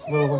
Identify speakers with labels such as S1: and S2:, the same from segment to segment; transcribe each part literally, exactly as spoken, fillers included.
S1: Виливай.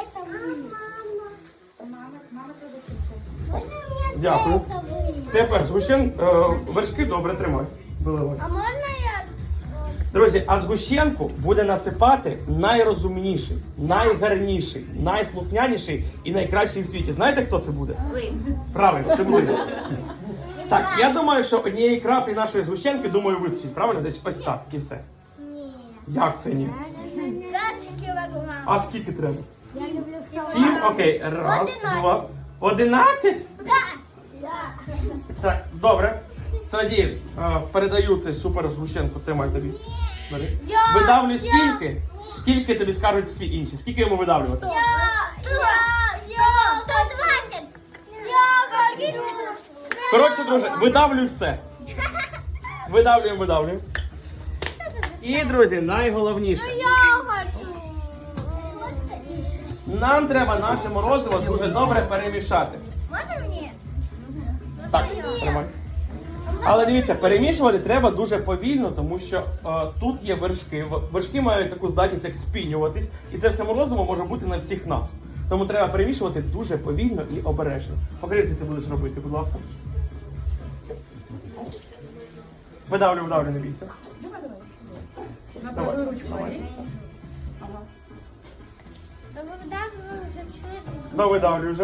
S1: Дякую. Тепер згущен, е, вершки добре тримай. Виливай.
S2: А можна я?
S1: Друзі, а згущенку буде насипати найрозумніший, найгарніший, найслухняніший і найкращий в світі. Знаєте, хто це буде?
S2: Ви.
S1: Правильно, це буде. Так, я думаю, що однієї краплі нашої згущенки, думаю, вистачить. Правильно? Десь ось так і все.
S2: Ні.
S1: Як це ні?
S2: п'ять кілограм.
S1: А скільки треба?
S2: Я люблю салат.
S1: Сім? Окей. Раз,
S2: Одинадцять.
S1: два. Одинадцять?
S2: Так. Да.
S1: Так, добре. Тоді е, передаю цей супер згущенку. Тримай тобі. Бери.
S2: Я-
S1: Видавлю
S2: я-
S1: стільки, скільки тобі скажуть всі інші. Скільки йому видавлювати?
S2: Я, я, я, сто двадцять. Я хочу.
S1: Коротше, друже, видавлюй все. Видавлюємо, видавлюємо. І, друзі, найголовніше.
S2: Я хочу. Можете інше?
S1: Нам треба наше морозиво дуже добре перемішати.
S2: Можна мені?
S1: Так, тримай. Але дивіться, перемішувати треба дуже повільно, тому що е, тут є вершки. В- Вершки мають таку здатність, як спінюватись, і це все морозиво може бути на всіх нас. Тому треба перемішувати дуже повільно і обережно. Покажи, як ти це будеш робити, будь ласка. Видавлю, видавлю, не бійся. Давай.
S2: Та ви давно вже пішли.
S1: Да, видавлю вже.